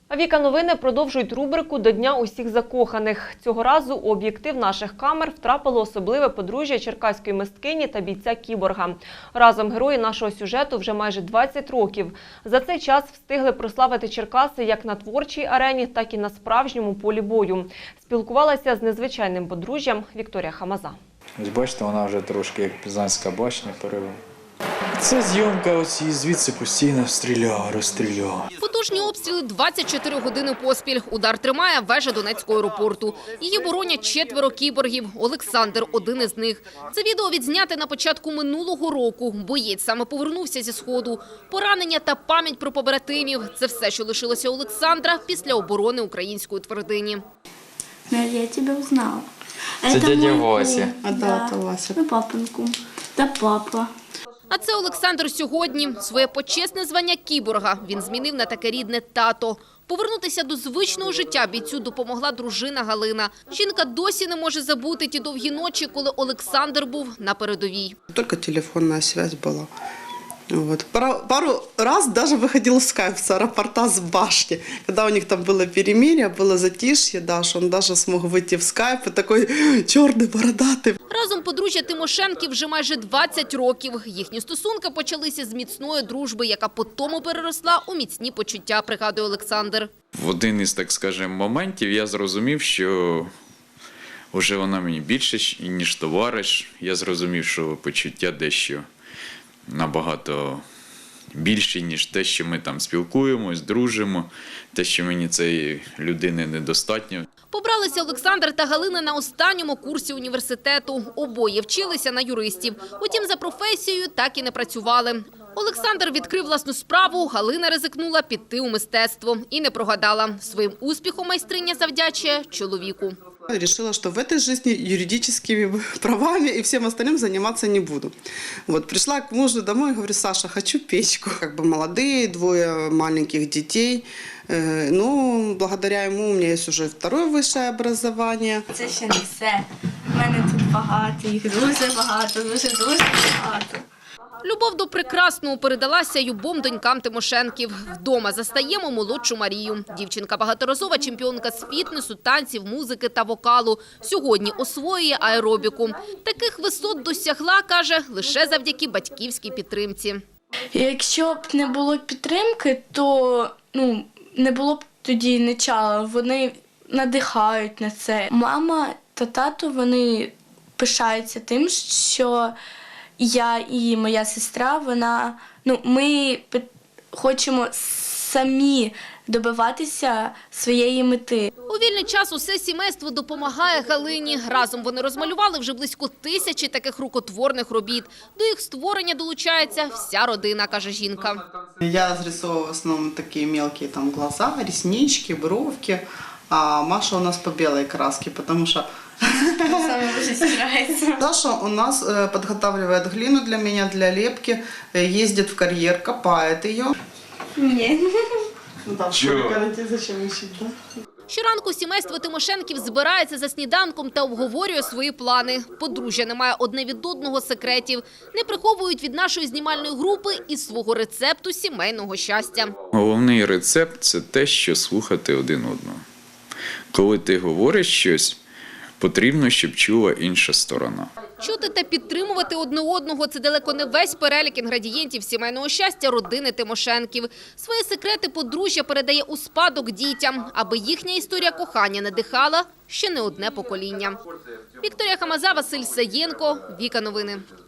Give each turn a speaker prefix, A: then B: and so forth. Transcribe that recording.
A: А Віка Новини продовжують рубрику «До Дня усіх закоханих». Цього разу у об'єктив наших камер втрапило особливе подружжя черкаської мисткині та бійця-кіборга. Разом герої нашого сюжету вже майже 20 років. За цей час встигли прославити Черкаси як на творчій арені, так і на справжньому полі бою. Спілкувалася з незвичайним подружжям Вікторія Хамаза.
B: Ось бачите, вона вже трошки як Пізанська башня перевела. Це зйомка, ось і звідси постійно стріляла, розстріляла.
C: Потужні обстріли 24 години поспіль. Удар тримає вежа Донецького аеропорту. Її боронять 4 кіборгів. Олександр – один із них. Це відео відзняте на початку минулого року. Боєць саме повернувся зі Сходу. Поранення та пам'ять про побратимів – це все, що лишилося Олександра після оборони української твердині.
D: Я тебя узнала.
B: Це дядя Вася.
D: Да, Вася. Ну, папин кум. Та папа.
C: А це Олександр сьогодні. Своє почесне звання кіборга він змінив на таке рідне тато. Повернутися до звичного життя бійцю допомогла дружина Галина. Жінка досі не може забути ті довгі ночі, коли Олександр був на передовій.
E: Только телефонная связь была. Вот. Пару раз даже выходил скайп с аэропорта с башни. Когда у них там было перемирие, было затишье, да, что он даже смог выйти в скайп и такой черный, бородатый.
C: Разом подружжя Тимошенків вже майже 20 років. Їхні стосунки почалися з міцної дружби, яка потім переросла у міцні почуття, пригадує Олександр.
F: В один із, так скажемо, моментів я зрозумів, що вже вона мені більше, ніж товариш. Я зрозумів, що почуття дещо набагато більше, ніж те, що ми там спілкуємось, дружимо, те, що мені цієї людини недостатньо.
C: Побралися Олександр та Галина на останньому курсі університету. Обоє вчилися на юристів. Утім, за професією так і не працювали. Олександр відкрив власну справу, Галина ризикнула піти у мистецтво. І не прогадала. Своїм успіхом майстриня завдячує чоловіку.
E: Решила, что в этой жизни юридическими правами и всем остальным заниматься не буду. Вот, пришла к мужу домой и говорю: Саша, хочу печку. Как бы молодые, 2 маленьких детей. Ну, благодаря ему у меня есть уже 2 высшее образование.
D: Це ще не все. У мене тут багато, їх дуже багато, дуже багато.
C: Любов до прекрасного передалася й обом донькам Тимошенків. Вдома застаємо молодшу Марію. Дівчинка – багаторазова чемпіонка з фітнесу, танців, музики та вокалу. Сьогодні освоює аеробіку. Таких висот досягла, каже, лише завдяки батьківській підтримці.
D: Якщо б не було підтримки, то не було б тоді начала. Вони надихають на це. Мама та тато, вони пишаються тим, що я і моя сестра, ми хочемо самі добиватися своєї мети.
C: У вільний час усе сімейство допомагає Галині. Разом вони розмалювали вже близько 1000 таких рукотворних робіт. До їх створення долучається вся родина, каже жінка.
E: Я разрисовываю в основном такие мелкие там глаза, реснички, бровки. А Маша у нас по белой краске, потому что
D: Саме дуже старається.
E: Саша у нас подготавливает глину для меня, для лепки, ездит в карьер, копает ее.
D: Ні.
E: Ну да, в школе карате зачем учить, да?
C: Щоранку сімейство Тимошенків збирається за сніданком та обговорює свої плани. Подружжя не має одне від одного секретів. Не приховують від нашої знімальної групи і свого рецепту сімейного щастя.
F: Головний рецепт – це те, що слухати один одного. Коли ти говориш щось, потрібно, щоб чула інша сторона.
C: Чути та підтримувати одне одного – це далеко не весь перелік інгредієнтів сімейного щастя родини Тимошенків. Свої секрети подружжя передає у спадок дітям, аби їхня історія кохання надихала ще не одне покоління. Вікторія Хамаза, Василь Саєнко, Віка Новини.